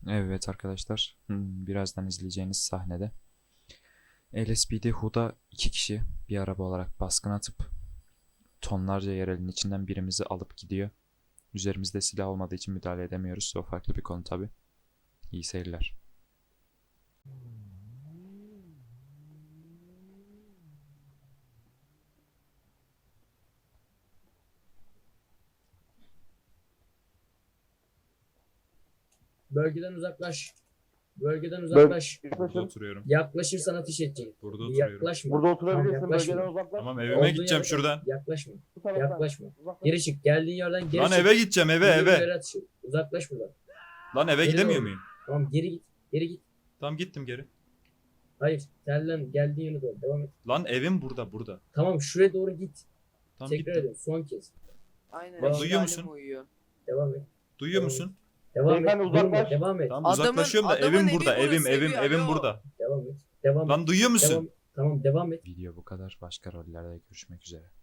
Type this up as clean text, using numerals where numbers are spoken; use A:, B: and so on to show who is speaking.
A: Evet arkadaşlar, birazdan izleyeceğiniz sahnede LSPD Huda 2 kişi bir araba olarak baskın atıp tonlarca yerelin içinden birimizi alıp gidiyor. Üzerimizde silah olmadığı için müdahale edemiyoruz. O farklı bir konu tabi. İyi seyirler.
B: Bölgeden uzaklaş. Bölgeden uzaklaş.
C: Burada oturuyorum.
B: Yaklaşırsan ateş edecek.
C: Burada oturuyorum.
B: Yaklaşma.
D: Burada oturabilirsin,
B: Tamam, yaklaşma.
D: bölgeden uzaklaş.
C: Tamam evime
B: Olduğun
C: gideceğim
B: yerde
C: şuradan.
B: Yaklaşma.
D: Bu taraftan.
B: Yaklaşma.
D: Uzaklaş.
B: Geri çık. Geldiğin yerden geri
C: Lan
B: çık.
C: eve gideceğim eve
B: Yürü,
C: eve.
B: yere atış. Uzaklaş buradan.
C: Lan eve
B: Geri
C: gidemiyor
B: doğru.
C: muyum?
B: Tamam geri git. Geri git.
C: Tamam gittim geri.
B: Hayır. Terlen geldiğin yöne doğru. Devam et.
C: Lan evim burada.
B: Tamam şuraya doğru git.
C: Tamam
B: Tekrar
C: gittim.
B: ediyorum. Son kez.
E: Aynen.
C: Lan
E: eski
C: duyuyor
E: halim
C: musun?
E: Uyuyor.
B: Devam et.
C: Duyuyor
B: Tamam.
C: musun?
B: Devam et.
D: Beyefendi, uzaklaş.
B: Durma. Devam et.
C: Tamam
E: Adamın-
C: uzaklaşıyorum da
E: adamın
C: evim
E: evi
C: burada.
E: burası,
C: Evim
E: alo.
C: burada.
B: Devam et. Devam et.
C: Lan duyuyor musun?
B: Tamam devam et.
A: Video bu kadar. Başka rollerde görüşmek üzere.